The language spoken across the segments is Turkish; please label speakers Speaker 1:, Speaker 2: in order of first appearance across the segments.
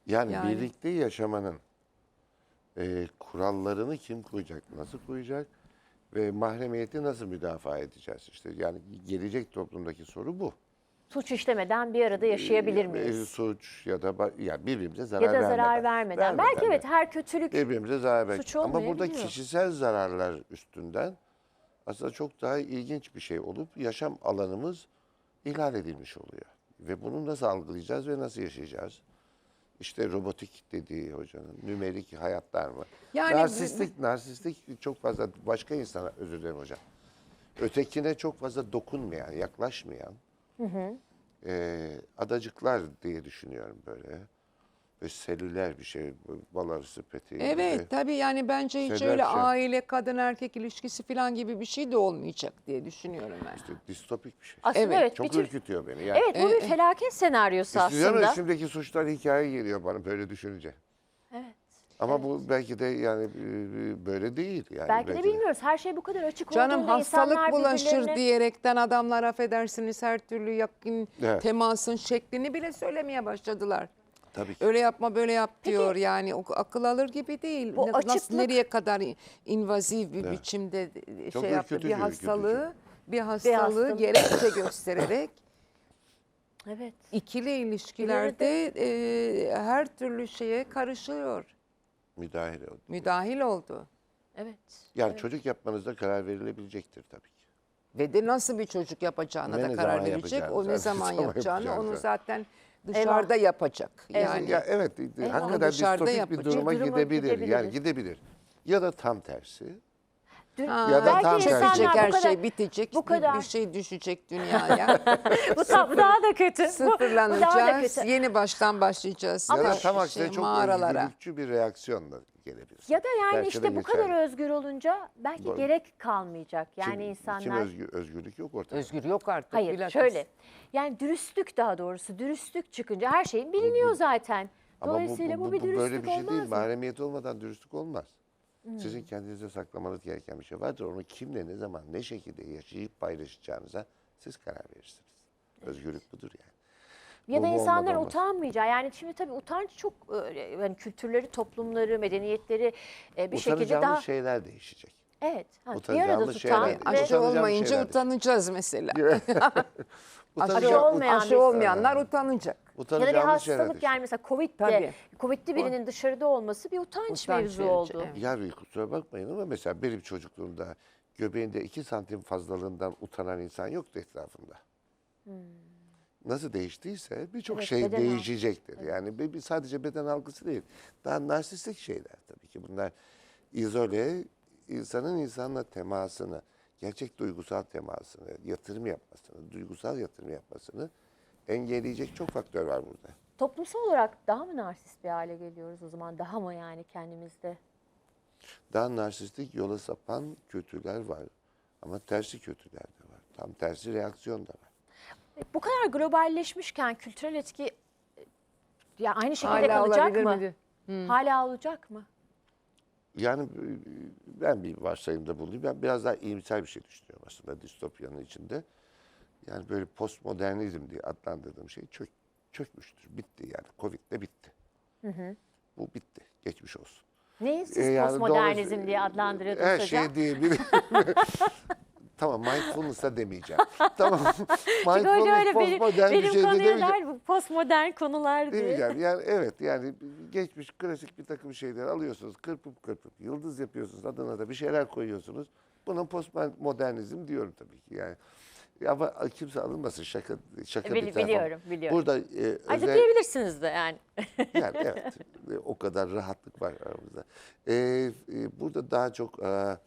Speaker 1: Yani
Speaker 2: Yani
Speaker 1: birlikte yaşamanın kurallarını kim koyacak, nasıl koyacak ve mahremiyeti nasıl müdafaa edeceğiz? İşte yani gelecek toplumdaki soru bu.
Speaker 3: Suç işlemeden bir arada yaşayabilir miyiz?
Speaker 1: Suç ya da ya birbirimize
Speaker 3: Ya
Speaker 1: zarar
Speaker 3: da zarar
Speaker 1: vermeden.
Speaker 3: vermeden. Belki
Speaker 1: de
Speaker 3: evet, her kötülük
Speaker 1: birbirimize zarar
Speaker 3: suç
Speaker 1: vermek. Ama burada
Speaker 3: olmayabiliyor.
Speaker 1: kişisel zararlar üstünden aslında çok daha ilginç bir şey olup yaşam alanımız ihlal edilmiş oluyor. Ve bunu nasıl algılayacağız ve nasıl yaşayacağız? İşte robotik dediği hocanın, nümerik hayatlar mı?
Speaker 2: Yani
Speaker 1: Narsistik çok fazla başka insana, özür dilerim hocam. Ötekine çok fazla dokunmayan, yaklaşmayan adacıklar diye düşünüyorum böyle. Ve selüler bir şey, bal arısı peteği gibi.
Speaker 2: evet tabii yani bence hiç
Speaker 1: Şeyler
Speaker 2: öyle
Speaker 1: şey.
Speaker 2: aile kadın erkek ilişkisi falan gibi bir şey de olmayacak diye düşünüyorum ben.
Speaker 1: İşte distopik bir şey.
Speaker 3: Aslında
Speaker 2: Evet,
Speaker 3: evet,
Speaker 1: Çok
Speaker 3: bir tür,
Speaker 1: ürkütüyor beni. Yani,
Speaker 3: evet bu bir felaket senaryosu
Speaker 1: İstiyorum,
Speaker 3: aslında.
Speaker 1: üstümdeki suçlar hikaye geliyor bana böyle düşününce.
Speaker 3: Evet.
Speaker 1: Ama bu belki de yani böyle değil. Yani
Speaker 3: Belki de bilmiyoruz. Her şey bu kadar açık
Speaker 2: Canım
Speaker 3: olduğunda
Speaker 2: hastalık
Speaker 3: insanlar
Speaker 2: bulaşır
Speaker 3: birbirlerine...
Speaker 2: diyerekten adamlar affedersiniz her türlü yakın
Speaker 1: Evet.
Speaker 2: temasın şeklini bile söylemeye başladılar.
Speaker 1: Tabii ki.
Speaker 2: Öyle yapma böyle yap diyor yani o akıl alır gibi değil.
Speaker 3: Bu
Speaker 2: Nasıl
Speaker 3: açıklık-
Speaker 2: nereye kadar invazif bir biçimde
Speaker 1: Çok
Speaker 2: şey yaptı.
Speaker 1: ürkütücü,
Speaker 2: Bir hastalığı
Speaker 3: hastalık.
Speaker 2: gerekçe göstererek
Speaker 3: Evet.
Speaker 2: ikili ilişkilerde her türlü şeye karışıyor.
Speaker 1: Müdahale oldu.
Speaker 2: Müdahil oldu.
Speaker 3: Evet.
Speaker 1: Yani çocuk yapmanızda karar verilebilecektir tabii ki.
Speaker 2: Ve de nasıl bir çocuk yapacağına
Speaker 1: Ve
Speaker 2: da
Speaker 1: ne
Speaker 2: karar
Speaker 1: zaman
Speaker 2: verecek. O
Speaker 1: yapacağını,
Speaker 2: ne
Speaker 1: zaten
Speaker 2: zaman
Speaker 1: zaman
Speaker 2: yapacağını
Speaker 1: yapacağını
Speaker 2: onu
Speaker 1: zaten.
Speaker 2: zaten dışarıda yapacak. Yani
Speaker 1: Ya evet, hakikaten
Speaker 2: dışarıda
Speaker 1: distopik bir
Speaker 2: yapacak.
Speaker 1: duruma
Speaker 3: Duruma
Speaker 1: gidebilir. Yani
Speaker 3: gidebiliriz.
Speaker 1: gidebilir. Ya da tam tersi.
Speaker 2: Ha,
Speaker 1: da tam
Speaker 2: çökecek,
Speaker 1: tersi.
Speaker 2: her
Speaker 3: bu kadar-
Speaker 2: şey bitecek.
Speaker 3: bu kadar-
Speaker 2: Bir şey düşecek dünyaya.
Speaker 3: Bu daha da kötü. Bu daha da
Speaker 2: Sıfırlanacağız.
Speaker 3: kötü.
Speaker 2: Yeni baştan başlayacağız.
Speaker 1: Ya da
Speaker 2: Şey,
Speaker 1: tam aksine çok
Speaker 2: mağaralara.
Speaker 1: özgürlükçü bir reaksiyonla gelebilir.
Speaker 3: Ya da yani
Speaker 1: Belki
Speaker 3: işte
Speaker 1: de
Speaker 3: bu
Speaker 1: geçerli.
Speaker 3: kadar özgür olunca belki
Speaker 1: Doğru.
Speaker 3: gerek kalmayacak. Yani
Speaker 1: Kim
Speaker 3: insanlar...
Speaker 1: özgürlük yok ortada.
Speaker 2: Özgür yok artık.
Speaker 3: Hayır
Speaker 2: bilakis.
Speaker 3: şöyle. Yani dürüstlük, daha doğrusu dürüstlük çıkınca her şey biliniyor zaten.
Speaker 1: Ama
Speaker 3: Dolayısıyla bu bir dürüstlük
Speaker 1: böyle bir şey değil.
Speaker 3: olmaz mı?
Speaker 1: Mahremiyet olmadan dürüstlük olmaz. Sizin kendinize saklamanız gereken bir şey vardır. Onu kimle, ne zaman, ne şekilde yaşayıp paylaşacağınıza siz karar verirsiniz. Özgürlük budur yani.
Speaker 3: Ya da
Speaker 1: Bu
Speaker 3: insanlar
Speaker 1: olmadan olmaz.
Speaker 3: utanmayacağı. Yani şimdi tabii utanç çok yani kültürleri, toplumları, medeniyetleri bir şekilde
Speaker 1: Utanacağımız
Speaker 3: daha...
Speaker 1: şeyler değişecek.
Speaker 3: Evet. Bir arada
Speaker 1: Utanacağımız
Speaker 3: tutan
Speaker 1: şeyler
Speaker 3: ve
Speaker 1: değil.
Speaker 2: Aşı
Speaker 1: Utanacağımız
Speaker 2: olmayınca
Speaker 1: şeyler değil.
Speaker 2: utanacağız mesela.
Speaker 1: Utanacağım-
Speaker 3: olmayan
Speaker 2: Aşı
Speaker 3: bir-
Speaker 2: olmayanlar utanacak.
Speaker 3: ya da bir
Speaker 1: utanacağımız şeyler
Speaker 3: hastalık,
Speaker 1: değil.
Speaker 3: yani mesela
Speaker 2: Tabii.
Speaker 3: Covid'li birinin dışarıda olması bir utanç
Speaker 2: Utanç
Speaker 3: mevzu
Speaker 2: verici,
Speaker 3: oldu.
Speaker 2: evet.
Speaker 1: Ya bir kusura bakmayın ama mesela benim çocukluğumda göbeğinde 2 santim fazlalığından utanan insan yoktu etrafımda. Nasıl değiştiyse birçok
Speaker 3: Evet,
Speaker 1: şey
Speaker 3: beden
Speaker 1: değişecektir. Yani sadece beden algısı değil. Daha narsistik şeyler tabii ki. Bunlar izole, insanın insanla temasını, gerçek duygusal temasını, yatırım yapmasını, duygusal yatırım yapmasını engelleyecek çok faktör var burada.
Speaker 3: Toplumsal olarak daha mı narsist bir hale geliyoruz o zaman? Daha mı yani kendimizde?
Speaker 1: Daha narsistik yola sapan kötüler var. Ama tersi kötüler de var. Tam tersi reaksiyon da var.
Speaker 3: Bu kadar globalleşmişken kültürel etki ya aynı şekilde
Speaker 2: Hala
Speaker 3: kalacak
Speaker 2: olabilir
Speaker 3: mı?
Speaker 2: miydi?
Speaker 3: Hala olacak mı?
Speaker 1: Yani ben bir varsayımda bulunayım. Ben biraz daha iyimser bir şey düşünüyorum aslında distopyanın içinde. Yani böyle postmodernizm diye adlandırdığım şey çökmüştür. Bitti yani. Covid'de bitti. Bu bitti. Geçmiş olsun.
Speaker 3: Neyi siz
Speaker 1: Yani
Speaker 3: postmodernizm
Speaker 1: doğrusu-
Speaker 3: diye adlandırıyordunuz
Speaker 1: her
Speaker 3: hocam?
Speaker 1: şey diyebilirim. Tamam, mindfulness'a demeyeceğim. Tamam.
Speaker 3: Çünkü hoca öyle
Speaker 1: postmodern bir
Speaker 3: benim
Speaker 1: şey de
Speaker 3: konuya
Speaker 1: demeyeceğim.
Speaker 3: der bu postmodern konular diye.
Speaker 1: Demeyeceğim. Yani evet, yani geçmiş klasik bir takım şeyler alıyorsunuz, kırpıp yıldız yapıyorsunuz, adına da bir şeyler koyuyorsunuz. Buna postmodernizm diyorum tabii ki yani. Ama kimse alınmasın, şaka bir tarafa.
Speaker 3: Biliyorum.
Speaker 1: Burada
Speaker 3: Ayrıca diyebilirsiniz de yani.
Speaker 1: yani evet, o kadar rahatlık var aramızda. Burada daha çok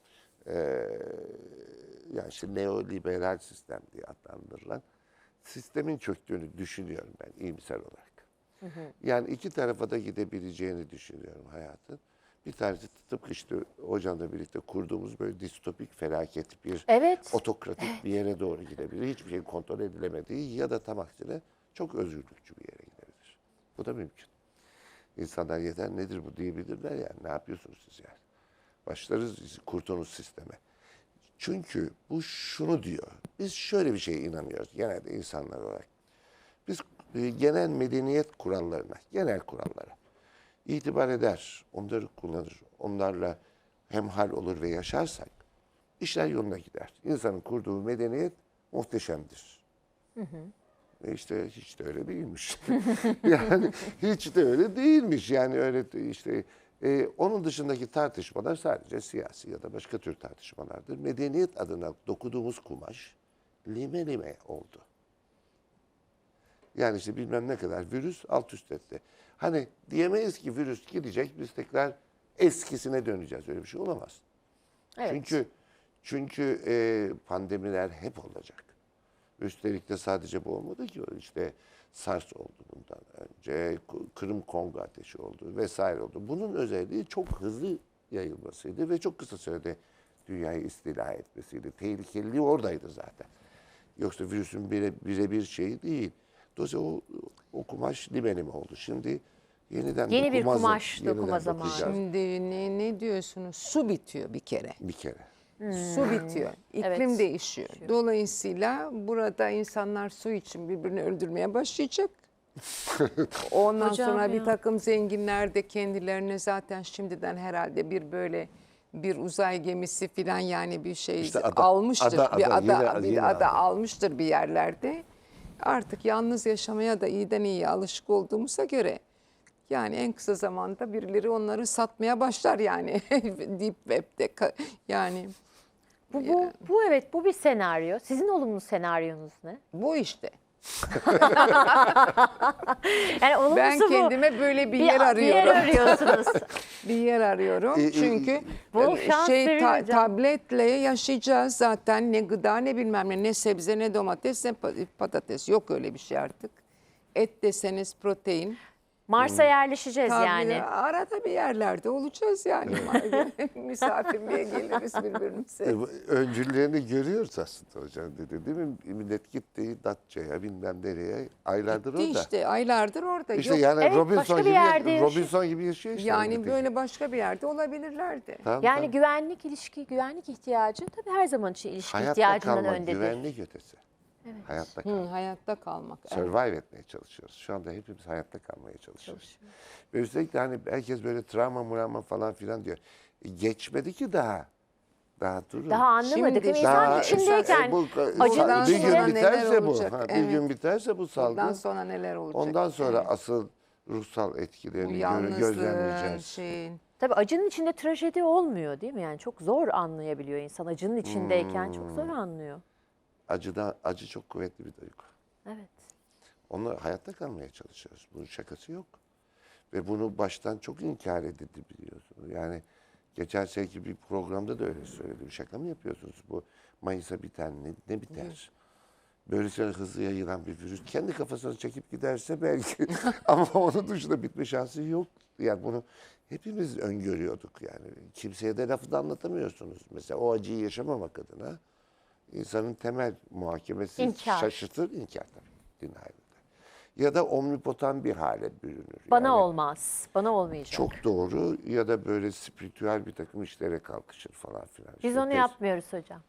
Speaker 1: yani işte neoliberal sistem diye adlandırılan sistemin çöktüğünü düşünüyorum ben iyimser olarak. Yani iki tarafa da gidebileceğini düşünüyorum hayatın. Bir tanesi tıpkı işte hocamla birlikte kurduğumuz böyle distopik felaket bir
Speaker 3: Evet.
Speaker 1: otokratik bir yere doğru gidebilir. Hiçbir şeyin kontrol edilemediği ya da tam aksine çok özgürlükçü bir yere gidebilir. Bu da mümkün. İnsanlar yeter nedir bu diyebilirler yani. Ne yapıyorsunuz siz yani? Başlarız kurtunuz sisteme. Çünkü bu şunu diyor. Biz şöyle bir şeye inanıyoruz genelde insanlar olarak. Biz genel medeniyet kurallarına, genel kurallara, itibar eder, onları kullanır, onlarla hemhal olur ve yaşarsak işler yoluna gider. İnsanın kurduğu medeniyet muhteşemdir. İşte hiç de öyle değilmiş. Yani hiç de öyle değilmiş. Yani öyle işte onun dışındaki tartışmalar sadece siyasi ya da başka tür tartışmalardır. Medeniyet adına dokuduğumuz kumaş lime lime oldu. Yani işte bilmem ne kadar virüs alt üst etti. Hani diyemeyiz ki virüs gidecek biz tekrar eskisine döneceğiz. Öyle bir şey olamaz.
Speaker 3: Evet.
Speaker 1: Çünkü pandemiler hep olacak. Üstelik de sadece bu olmadı ki. İşte SARS oldu bundan önce, Kırım Kongo ateşi oldu vesaire oldu. Bunun özelliği çok hızlı yayılmasıydı ve çok kısa sürede dünyayı istila etmesiydi. Tehlikeliliği oradaydı zaten. Yoksa virüsün birebir şeyi değil. Dolayısıyla o kumaş libenim oldu. Şimdi yeniden
Speaker 3: Yeni bir
Speaker 1: dokuma
Speaker 3: kumaş
Speaker 1: yeniden
Speaker 3: dokuma zamanı.
Speaker 1: dokuyacağız.
Speaker 2: Şimdi ne diyorsunuz? Su bitiyor bir kere.
Speaker 1: Bir kere.
Speaker 2: Su bitiyor. İklim
Speaker 3: Evet.
Speaker 2: değişiyor. Dolayısıyla burada insanlar su için birbirini öldürmeye başlayacak. Ondan
Speaker 3: Hocam
Speaker 2: sonra
Speaker 3: ya.
Speaker 2: bir takım zenginler de kendilerine zaten şimdiden herhalde bir uzay gemisi falan yani bir şey
Speaker 1: İşte ada,
Speaker 2: almıştır.
Speaker 1: yine
Speaker 2: Ada
Speaker 1: ada.
Speaker 2: almıştır bir yerlerde. Artık yalnız yaşamaya da iyiden iyiye alışık olduğumuza göre yani en kısa zamanda birileri onları satmaya başlar yani Deep Web'de yani
Speaker 3: Bu evet, bu bir senaryo. Sizin olumlu senaryonuz ne?
Speaker 2: bu işte.
Speaker 3: Yani olumlusu
Speaker 2: Ben
Speaker 3: bu.
Speaker 2: kendime böyle bir yer
Speaker 3: Bir yer
Speaker 2: arıyorum.
Speaker 3: arıyorsunuz.
Speaker 2: Bir yer arıyorum. Çünkü
Speaker 3: Bol şans verin hocam.
Speaker 2: tabletle yaşayacağız zaten. Ne gıda ne bilmem ne sebze ne domates ne patates. Yok öyle bir şey artık. Et deseniz protein.
Speaker 3: Mars'a yerleşeceğiz
Speaker 2: Tabii
Speaker 3: yani.
Speaker 2: arada bir yerlerde olacağız yani. Misafirliğe geliriz birbirimize.
Speaker 1: Öncüllerini görüyoruz aslında hocam dedi değil mi? Millet gitti Datça'ya bilmem nereye aylardır
Speaker 2: Gitti
Speaker 1: orada.
Speaker 2: işte aylardır orada.
Speaker 1: İşte
Speaker 2: Yok.
Speaker 1: yani
Speaker 3: Evet, başka bir yerde yaşıyor.
Speaker 1: Robinson gibi yaşıyor işte.
Speaker 2: Yani
Speaker 1: Gidecek.
Speaker 2: böyle başka bir yerde olabilirlerdi.
Speaker 1: Tamam,
Speaker 3: Yani
Speaker 1: tamam.
Speaker 3: güvenlik ilişki, güvenlik ihtiyacı tabii her zaman için ilişki
Speaker 1: Hayatta
Speaker 3: ihtiyacından
Speaker 1: kalmak,
Speaker 3: öndedir.
Speaker 1: güvenlik ötesi. Hayatta kalmak.
Speaker 2: Hayatta kalmak. Evet.
Speaker 1: Survive etmeye çalışıyoruz. Şu anda hepimiz hayatta kalmaya çalışıyoruz. Ve üstelik de hani herkes böyle travma falan filan diyor. Geçmedi ki daha. Daha durun.
Speaker 3: Daha anlamadık.
Speaker 2: Şimdi
Speaker 3: İnsan
Speaker 1: Daha-
Speaker 3: içindeyken
Speaker 1: bir
Speaker 3: acının
Speaker 2: sonra
Speaker 1: gün
Speaker 3: içinde
Speaker 1: biterse
Speaker 2: neler
Speaker 1: bu.
Speaker 2: olacak?
Speaker 1: Bir
Speaker 2: Evet.
Speaker 1: gün biterse bu salgın.
Speaker 2: Ondan sonra neler olacak?
Speaker 1: Ondan sonra
Speaker 2: Evet.
Speaker 1: asıl ruhsal
Speaker 2: Bu
Speaker 1: etkilerini
Speaker 2: yalnızlığın
Speaker 1: gözlemleyeceğiz.
Speaker 2: şeyin.
Speaker 3: tabii acının içinde trajedi olmuyor değil mi? Yani çok zor anlayabiliyor insan. Acının içindeyken çok zor anlıyor.
Speaker 1: Acı çok kuvvetli bir duygu.
Speaker 3: Evet.
Speaker 1: Onunla hayatta kalmaya çalışıyoruz. Bunun şakası yok. Ve bunu baştan çok inkar edildi biliyorsunuz. Yani geçen seneki bir programda da öyle söyledim. Şaka mı yapıyorsunuz? Bu Mayıs'a biter ne biter? Böylesine hızlı yayılan bir virüs kendi kafasına çekip giderse belki ama onun dışında bitme şansı yok. Yani bunu hepimiz öngörüyorduk yani. Kimseye de lafı da anlatamıyorsunuz. Mesela o acıyı yaşamamak adına insanın temel muhakemesi
Speaker 3: İnkar.
Speaker 1: şaşırtır, inkar tabii. Denial'de. Ya da omnipotan bir hale bürünür.
Speaker 3: Bana
Speaker 1: Yani
Speaker 3: olmaz. Bana olmayacak.
Speaker 1: çok doğru ya da böyle spiritüel bir takım işlere kalkışır falan filan.
Speaker 3: Biz
Speaker 1: İşte
Speaker 3: onu
Speaker 1: pes-
Speaker 3: yapmıyoruz hocam.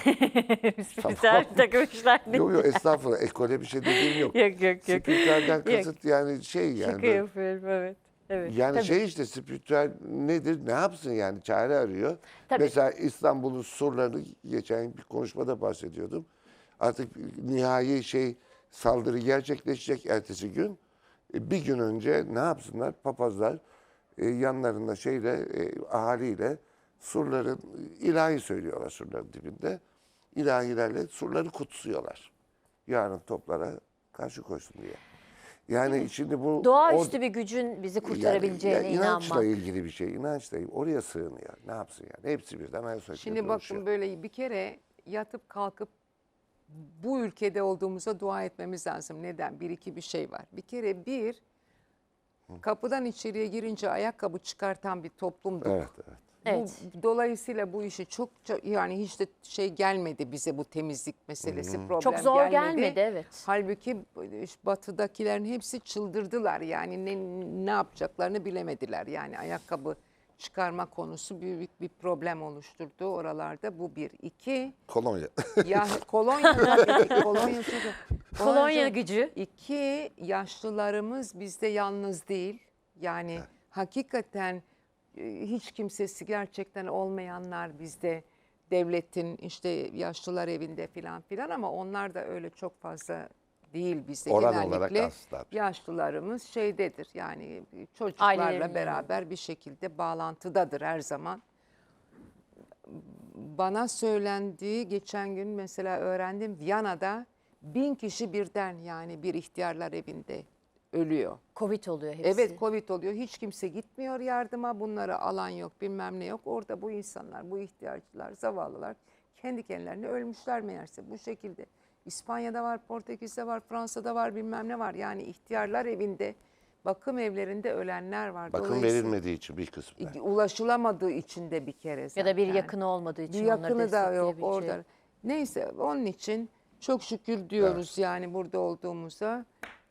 Speaker 3: Biz güzel bir takım işler değil.
Speaker 1: Yok estağfurullah ekole bir şey dediğim yok.
Speaker 3: Yok, yok, yok.
Speaker 1: Spiritüelden
Speaker 3: Yok.
Speaker 1: kasıt yani şey yani.
Speaker 3: Şaka
Speaker 1: böyle-
Speaker 3: yapıyorum, evet. Evet.
Speaker 1: Yani
Speaker 3: tabii.
Speaker 1: şey işte spiritüel nedir ne yapsın yani çare arıyor.
Speaker 3: Tabii.
Speaker 1: Mesela İstanbul'un surlarını geçen bir konuşmada bahsediyordum. Artık nihai saldırı gerçekleşecek ertesi gün. Bir gün önce ne yapsınlar papazlar yanlarında ahaliyle surların ilahi söylüyorlar surların dibinde. İlahilerle surları kutsuyorlar. Yarın toplara karşı koysun diye. Yani şimdi bu
Speaker 3: Doğaüstü bir gücün bizi kurtarabileceğine
Speaker 1: yani inançla
Speaker 3: inanmak.
Speaker 1: ilgili bir şey. İnançla oraya sığınıyor. Ne yapsın yani? Hepsi birden Ayasofya'da
Speaker 2: Şimdi
Speaker 1: dolaşıyor.
Speaker 2: bakın böyle bir kere yatıp kalkıp bu ülkede olduğumuza dua etmemiz lazım. Neden? Bir iki bir şey var. Bir kere kapıdan içeriye girince ayakkabı çıkartan bir toplumduk.
Speaker 1: Evet, evet.
Speaker 3: Evet.
Speaker 2: Dolayısıyla bu işi çok yani hiç de gelmedi bize bu temizlik meselesi problem
Speaker 3: Çok zor gelmedi, evet.
Speaker 2: Halbuki batıdakilerin hepsi çıldırdılar yani ne yapacaklarını bilemediler yani ayakkabı çıkarma konusu büyük bir problem oluşturdu oralarda bu bir. İki
Speaker 1: Kolonya.
Speaker 2: ya kolonya tabii, kolonya tabii.
Speaker 3: Kolonya
Speaker 2: Ondan
Speaker 3: gücü.
Speaker 2: İki, yaşlılarımız bizde yalnız değil. Yani hakikaten hiç kimsesi gerçekten olmayanlar bizde devletin işte yaşlılar evinde filan filan ama onlar da öyle çok fazla değil bizde.
Speaker 1: Oran olarak
Speaker 2: Genellikle
Speaker 1: az tabii.
Speaker 2: yaşlılarımız şeydedir yani çocuklarla
Speaker 3: Ailelerin
Speaker 2: beraber bir şekilde bağlantıdadır her zaman. Bana söylendiği geçen gün mesela öğrendim Viyana'da 1000 kişi birden yani bir ihtiyarlar evinde ölüyor.
Speaker 3: Covid oluyor hepsi.
Speaker 2: Evet Covid oluyor. Hiç kimse gitmiyor yardıma. Bunlara alan yok bilmem ne yok. Orada bu insanlar, bu ihtiyaçlılar, zavallılar kendi kendilerine ölmüşler meğerse bu şekilde. İspanya'da var, Portekiz'de var, Fransa'da var bilmem ne var. Yani ihtiyarlar evinde, bakım evlerinde ölenler var.
Speaker 1: Bakım
Speaker 2: Dolayısıyla
Speaker 1: verilmediği için bir kısmı.
Speaker 2: ulaşılamadığı için de bir kere
Speaker 3: Ya
Speaker 2: zaten.
Speaker 3: da bir yakını olmadığı için
Speaker 2: Bir
Speaker 3: onları
Speaker 2: yakını da yok
Speaker 3: destekleyebilecek.
Speaker 2: orada. Neyse onun için çok şükür diyoruz yani burada olduğumuza.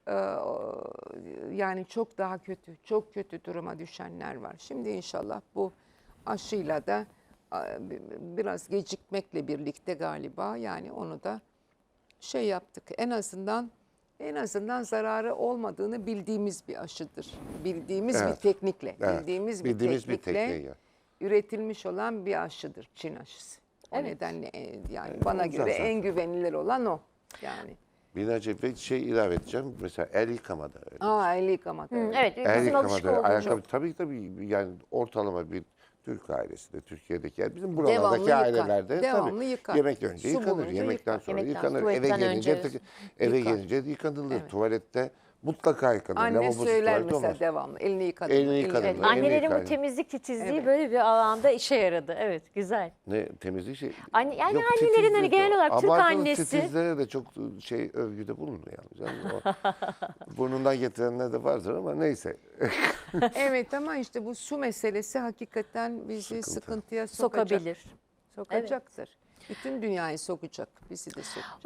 Speaker 2: Yani çok daha kötü, çok kötü duruma düşenler var. Şimdi inşallah bu aşıyla da biraz gecikmekle birlikte galiba yani onu da şey yaptık. En azından zararı olmadığını bildiğimiz bir aşıdır. Bildiğimiz bir
Speaker 1: Evet.
Speaker 2: teknikle,
Speaker 1: Evet,
Speaker 2: bildiğimiz
Speaker 1: bir
Speaker 2: teknikle
Speaker 1: tekniği.
Speaker 2: üretilmiş olan bir aşıdır Çin aşısı. O
Speaker 3: Evet.
Speaker 2: nedenle yani bana
Speaker 1: güzel
Speaker 2: göre
Speaker 1: zaten.
Speaker 2: en güvenilir olan o. Yani.
Speaker 1: Binlerce ve şey ilave edeceğim. Mesela el yıkamada öyle.
Speaker 2: El yıkamak. evet.
Speaker 3: Evet,
Speaker 1: El
Speaker 3: bizim alışık
Speaker 1: yıkamada,
Speaker 3: olduğumuz.
Speaker 1: ayakkabı tabii yani ortalama bir Türk ailesinde, Türkiye'deki yani bizim
Speaker 2: Devamlı
Speaker 1: buralardaki
Speaker 2: yıkar,
Speaker 1: ailelerde
Speaker 2: devamlı
Speaker 1: tabii
Speaker 2: yıkar.
Speaker 1: yemek önce
Speaker 2: Su
Speaker 1: yıkanır,
Speaker 2: bulunca
Speaker 1: yemekten
Speaker 2: yıkar.
Speaker 1: sonra
Speaker 3: Yemekten,
Speaker 1: yıkanır, eve
Speaker 3: tuvaletten
Speaker 1: gelince
Speaker 3: önce
Speaker 1: eve
Speaker 2: yıkar.
Speaker 1: gelince yıkanılır.
Speaker 2: Evet.
Speaker 1: Tuvalette mutlaka yıkanır.
Speaker 2: Anne
Speaker 1: Lavabosuz
Speaker 2: söyler
Speaker 1: tuvalet
Speaker 2: mesela
Speaker 1: olmaz.
Speaker 2: devamlı elini yıkadın.
Speaker 1: Elini
Speaker 2: mı?
Speaker 1: yıkadın
Speaker 3: Evet,
Speaker 1: mı? Elini
Speaker 3: annelerin
Speaker 1: yıkar.
Speaker 3: bu temizlik titizliği
Speaker 2: Evet.
Speaker 3: böyle bir alanda işe yaradı. Evet, güzel.
Speaker 1: Ne temizlik şey.
Speaker 3: Yani
Speaker 1: Yok,
Speaker 3: annelerin hani
Speaker 1: titizlik
Speaker 3: genel
Speaker 1: o.
Speaker 3: olarak Türk
Speaker 1: Abartılı
Speaker 3: annesi.
Speaker 1: titizlere de çok şey övgüde bulunmayalım. Canım. Burnundan getirenler de vardır ama neyse.
Speaker 2: Evet ama işte bu su meselesi hakikaten bizi
Speaker 1: Sıkıntı.
Speaker 2: sıkıntıya sokacak.
Speaker 3: Sokabilir.
Speaker 2: Sokacaktır. Bütün dünyayı sokacak. Bizi de sokacak.